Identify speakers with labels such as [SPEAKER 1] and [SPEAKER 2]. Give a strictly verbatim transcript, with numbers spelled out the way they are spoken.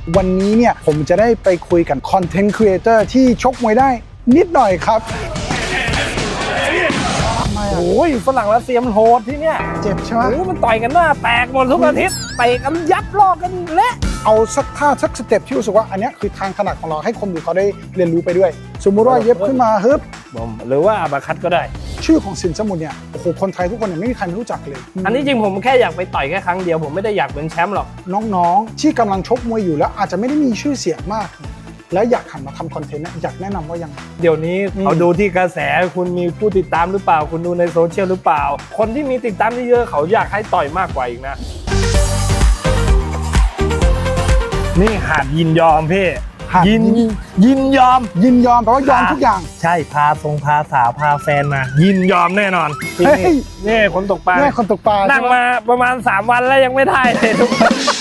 [SPEAKER 1] วันนี้เนี่ยผมจะได้ไปคุยกับคอนเทนต์ครีเอเตอร์ที่ชกมวยได้นิดหน่อยครับ
[SPEAKER 2] โอ้ยฝรั่งรัสเซียมันโหดที่เนี่ย
[SPEAKER 1] เจ็บใช่ไหม
[SPEAKER 2] โอ้มันต่อยกันหน้าแตกหมดทุกอาทิตย์เตะกันยับลอกกันเละ
[SPEAKER 1] เอาสักท่าสักสเต็ปที่รู้สึกว่าอันนี้คือทางถนัดของเราให้คนดูเขาได้เรียนรู้ไปด้วยสมมุติว่าเย็บขึ้นมาฮึบ
[SPEAKER 2] หรือว่าอาบาคัดก็ได้
[SPEAKER 1] ชื่อของสินสมุทรเนี่ยโอ้โหคนไทยทุกคนเนี่ยไม่มีใครไม่รู้จักเลย
[SPEAKER 2] อันนี้จริงผมแค่อยากไปต่อยแค่ครั้งเดียวผมไม่ได้อยากเป็นแชมป์หรอก
[SPEAKER 1] น้องๆที่กำลังชกมวยอยู่แล้วอาจจะไม่ได้มีชื่อเสียงมากแล้วอยากหันมาทำคอนเทนต์อยากแนะนำว่ายัง
[SPEAKER 2] เดี๋ยวนี้เขาดูที่กระแสคุณมีผู้ติดตามหรือเปล่าคุณดูในโซเชียลหรือเปล่าคนที่มีติดตามเยอะๆเขาอยากให้ต่อยมากกว่าอีกนะนี่หาดยินยอมพี่ยินยินยอม
[SPEAKER 1] ยินยอมแปลว่ายอมทุกอย่าง
[SPEAKER 2] ใช่พาทรงพาสาวพาแฟนมายินยอมแน่นอนนี่คนตกปลา
[SPEAKER 1] นี่คนตกปลา
[SPEAKER 2] นั่งมาประมาณสามวันแล้วยังไม่ได้เลยทุกคน